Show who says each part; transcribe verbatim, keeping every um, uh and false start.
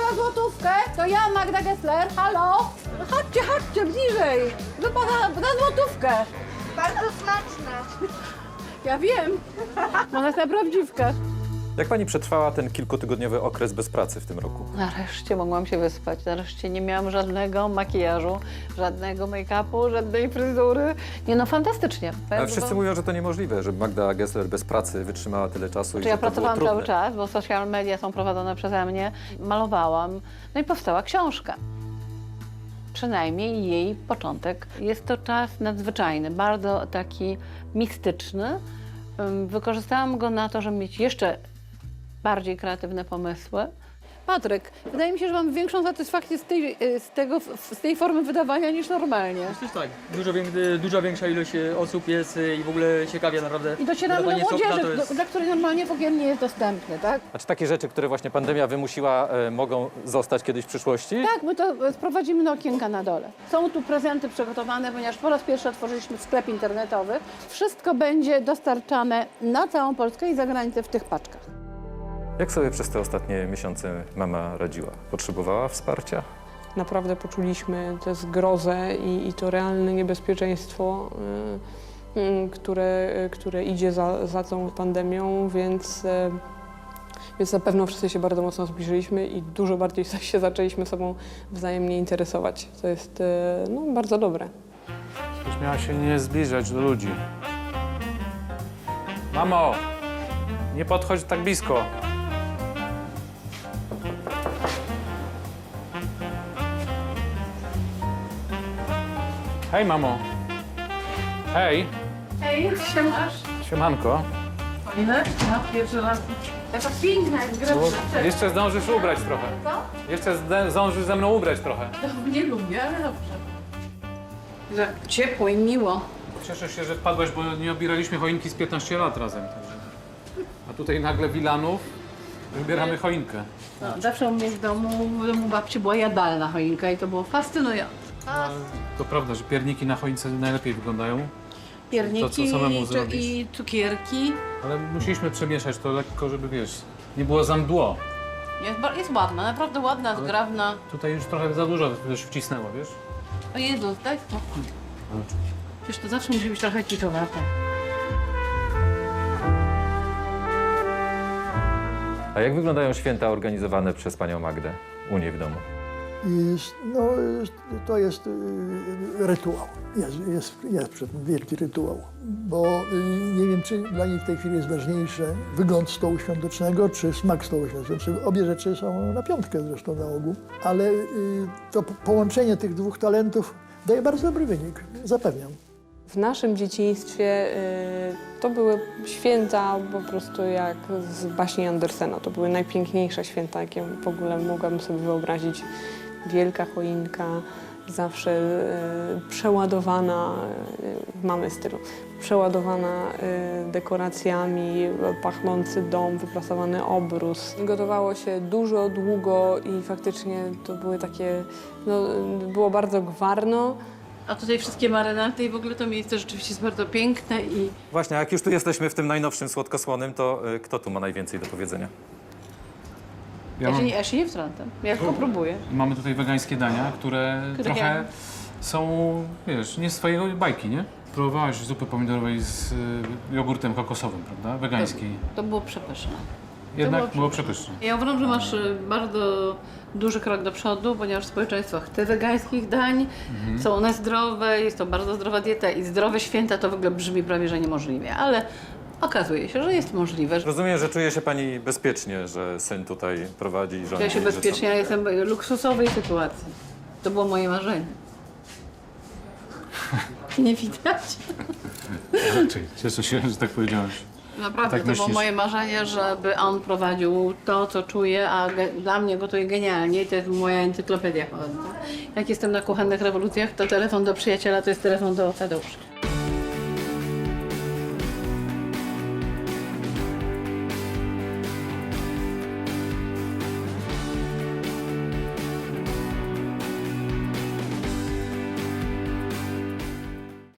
Speaker 1: za złotówkę, to ja, Magda Gessler, halo? Chodźcie, chodźcie, bliżej, wypada za złotówkę.
Speaker 2: Bardzo smaczna.
Speaker 1: Ja wiem, ona jest na prawdziwkę.
Speaker 3: Jak pani przetrwała ten kilkutygodniowy okres bez pracy w tym roku?
Speaker 1: Nareszcie mogłam się wyspać, nareszcie nie miałam żadnego makijażu, żadnego make-upu, żadnej fryzury. Nie no, fantastycznie.
Speaker 3: Ale wszyscy mówią, że to niemożliwe, żeby Magda Gessler bez pracy wytrzymała tyle czasu i
Speaker 1: Czy
Speaker 3: że
Speaker 1: ja
Speaker 3: to było
Speaker 1: pracowałam
Speaker 3: trudne.
Speaker 1: cały czas, bo social media są prowadzone przeze mnie, malowałam, no i powstała książka. Przynajmniej jej początek. Jest to czas nadzwyczajny, bardzo taki mistyczny. Ym, Wykorzystałam go na to, żeby mieć jeszcze bardziej kreatywne pomysły. Patryk, wydaje mi się, że mam większą satysfakcję z tej, y, z tego, z tej formy wydawania niż normalnie.
Speaker 4: Przecież tak, dużo, wię- dużo większa ilość e, osób jest e, i w ogóle ciekawie naprawdę.
Speaker 1: I docieramy do
Speaker 4: wydawanie sopla
Speaker 1: młodzieży,
Speaker 4: to jest-
Speaker 1: do, dla której normalnie w ogóle nie jest dostępny, tak?
Speaker 3: A czy takie rzeczy, które właśnie pandemia wymusiła, e, mogą zostać kiedyś w przyszłości?
Speaker 1: Tak, my to e, sprowadzimy na okienka na dole. Są tu prezenty przygotowane, ponieważ po raz pierwszy otworzyliśmy sklep internetowy. Wszystko będzie dostarczane na całą Polskę i za granicę w tych paczkach.
Speaker 3: Jak sobie przez te ostatnie miesiące mama radziła? Potrzebowała wsparcia?
Speaker 5: Naprawdę poczuliśmy tę zgrozę i, i to realne niebezpieczeństwo, y, y, które, y, które idzie za, za tą pandemią, więc, y, więc na pewno wszyscy się bardzo mocno zbliżyliśmy i dużo bardziej się zaczęliśmy sobą wzajemnie interesować. To jest y, no, bardzo dobre.
Speaker 6: Już miała się nie zbliżać do ludzi. Mamo, nie podchodź tak blisko. Hej, mamo. Hej,
Speaker 1: Hej, siemasz?
Speaker 6: siemanko.
Speaker 1: Ile? No, pierwszy raz. Taka piękna jest gra.
Speaker 6: Bo jeszcze zdążysz ubrać trochę.
Speaker 1: Co?
Speaker 6: Jeszcze zde- zdążysz ze mną ubrać trochę.
Speaker 1: Nie lubię, ale dobrze. Że ciepło i miło.
Speaker 6: Cieszę się, że wpadłaś, bo nie obieraliśmy choinki z piętnaście lat razem. Także. A tutaj nagle Wilanów, wybieramy choinkę.
Speaker 1: No, zawsze u mnie w domu, w domu babci była jadalna choinka i to było fascynujące.
Speaker 6: Ale to prawda, że pierniki na choince najlepiej wyglądają,
Speaker 1: Pierniki
Speaker 6: To, co samemu
Speaker 1: i,
Speaker 6: zrobisz.
Speaker 1: i cukierki.
Speaker 6: ale musieliśmy przemieszać to lekko, żeby wiesz, nie było za mdło.
Speaker 1: Jest, ba- jest ładna, naprawdę ładna, zgrabna.
Speaker 6: Tutaj już trochę za dużo też wcisnęło, wiesz?
Speaker 1: O Jezus, daj spokój. Przecież to zawsze musi być trochę kiczowate.
Speaker 3: A jak wyglądają święta organizowane przez panią Magdę u niej w domu?
Speaker 7: Jest, no, jest, to jest y, rytuał. Jest, jest, jest przed tym wielki rytuał. Bo y, nie wiem, czy dla niej w tej chwili jest ważniejsze wygląd stołu świątecznego, czy smak stołu świątecznego. Obie rzeczy są na piątkę zresztą na ogół. Ale y, to po- połączenie tych dwóch talentów daje bardzo dobry wynik, zapewniam.
Speaker 5: W naszym dzieciństwie y, to były święta po prostu jak z baśni Andersena. To były najpiękniejsze święta, jakie w ogóle mogłabym sobie wyobrazić. Wielka choinka, zawsze y, przeładowana, y, w mamy stylu, przeładowana y, dekoracjami, pachnący dom, wyprasowany obrus. Gotowało się dużo, długo i faktycznie to były takie, no, było bardzo gwarno.
Speaker 1: A tutaj wszystkie marynaty i w ogóle to miejsce rzeczywiście jest bardzo piękne i
Speaker 3: Właśnie, a jak już tu jesteśmy w tym najnowszym słodkosłonym, to y, kto tu ma najwięcej do powiedzenia?
Speaker 6: Ja
Speaker 1: ja,
Speaker 6: mam,
Speaker 1: się nie, ja się nie wtrącam. Ja tylko próbuję.
Speaker 6: mamy tutaj wegańskie dania, które
Speaker 1: Które
Speaker 6: trochę
Speaker 1: ja-
Speaker 6: są, wiesz, nie z twojej bajki, nie? Próbowałaś zupy pomidorowej z y, jogurtem kokosowym, prawda? Wegańskiej.
Speaker 1: To było przepyszne.
Speaker 6: Jednak
Speaker 1: było
Speaker 6: było przepyszne.
Speaker 1: Ja uważam, że masz y, bardzo duży krok do przodu, ponieważ społeczeństwo chce wegańskich dań, są one zdrowe, jest to bardzo zdrowa dieta i zdrowe święta to w ogóle brzmi prawie, że niemożliwie, ale okazuje się, że jest możliwe. Że
Speaker 3: Rozumiem, że czuje się pani bezpiecznie, że syn tutaj prowadzi i rządzi.
Speaker 1: czuję się
Speaker 3: że są-
Speaker 1: bezpiecznie, ja jestem w luksusowej sytuacji. To było moje marzenie. Nie widać?
Speaker 6: Raczej. Cieszę się, że tak powiedziałeś.
Speaker 1: Naprawdę,
Speaker 6: Tak
Speaker 1: to było
Speaker 6: myślisz?
Speaker 1: moje marzenie, żeby on prowadził to, co czuje, a ge- dla mnie gotuje genialnie i to jest moja encyklopedia chodząca. Jak jestem na kuchennych rewolucjach, to telefon do przyjaciela to jest telefon do Tadeusza.